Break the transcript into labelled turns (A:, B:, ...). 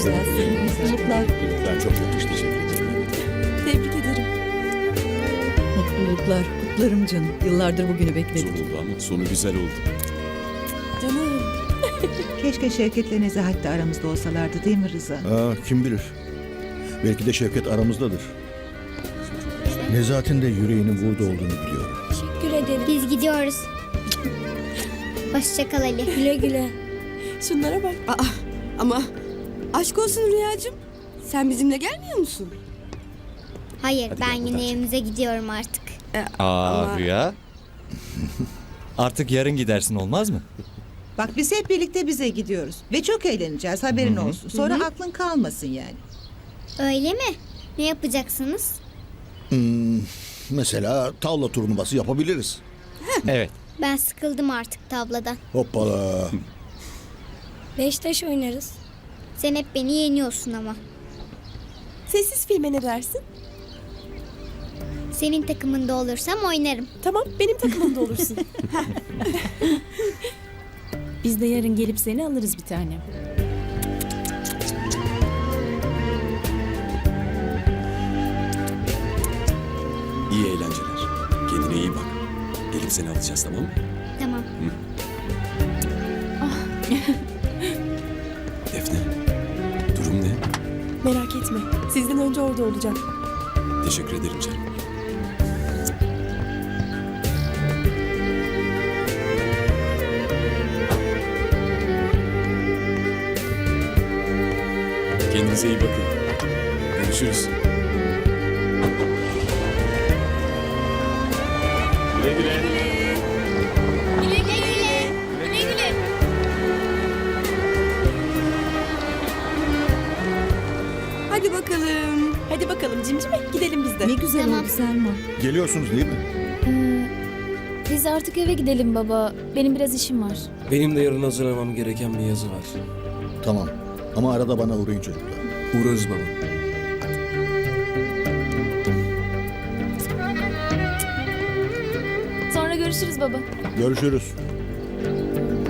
A: Mutluluklar.
B: Mutluluklar çok yakıştı, teşekkür ederim.
A: Tebrik ederim.
C: Mutluluklar. Kutlarım canım. Yıllardır bugünü
B: Zor
C: bekledik.
B: oldu ama sonu güzel oldu.
A: Canım.
D: Keşke Şevket'le Nezahat de aramızda olsalardı değil mi Rıza?
E: Kim bilir. Belki de Şevket aramızdadır. Nezahat'in de yüreğinin burada olduğunu biliyorum.
F: Teşekkür ederim.
G: Biz gidiyoruz. Hoşça kal Ali.
F: Güle güle.
A: Şunlara bak.
H: Ama aşk olsun Rüyacığım. Sen bizimle gelmiyor musun?
G: Hayır,
B: Hadi
G: ben
B: gel,
G: yine
B: buradan çık.
G: evimize gidiyorum artık.
H: Ama-
I: Rüya. Artık yarın gidersin, olmaz mı?
D: Bak biz hep birlikte bize gidiyoruz. Ve çok eğleneceğiz, haberin olsun. Sonra aklın kalmasın yani.
G: Öyle mi? Ne yapacaksınız?
E: Mesela tavla turnuvası yapabiliriz.
I: Evet.
G: Ben sıkıldım artık tavladan.
E: Hoppala.
F: Beş taş oynarız.
G: Sen hep beni yeniyorsun ama.
A: Sessiz filme ne dersin?
G: Senin takımında olursam oynarım.
A: Tamam, benim takımımda olursun.
F: Biz de yarın gelip seni alırız bir tane.
B: İyi eğlenceler. Kendine iyi bak. Gelip seni alacağız, tamam mı?
G: Tamam.
B: Defne, durum ne?
A: Merak etme. Sizden önce orada olacağım.
B: Teşekkür ederim canım. Kendinize iyi bakın. Görüşürüz. Güle güle.
G: Güle güle. Güle güle.
H: Hadi bakalım.
A: Hadi bakalım cimcime, gidelim biz de.
C: Ne güzel
G: Tamam.
C: oldu Selma.
E: Geliyorsunuz değil mi?
F: Biz artık eve gidelim baba. Benim biraz işim var.
J: Benim de yarın hazırlamam gereken bir yazı var.
E: Tamam. Ama arada bana uğrayın çocuklar.
J: Uğrarız baba.
F: Sonra görüşürüz baba.
E: Görüşürüz.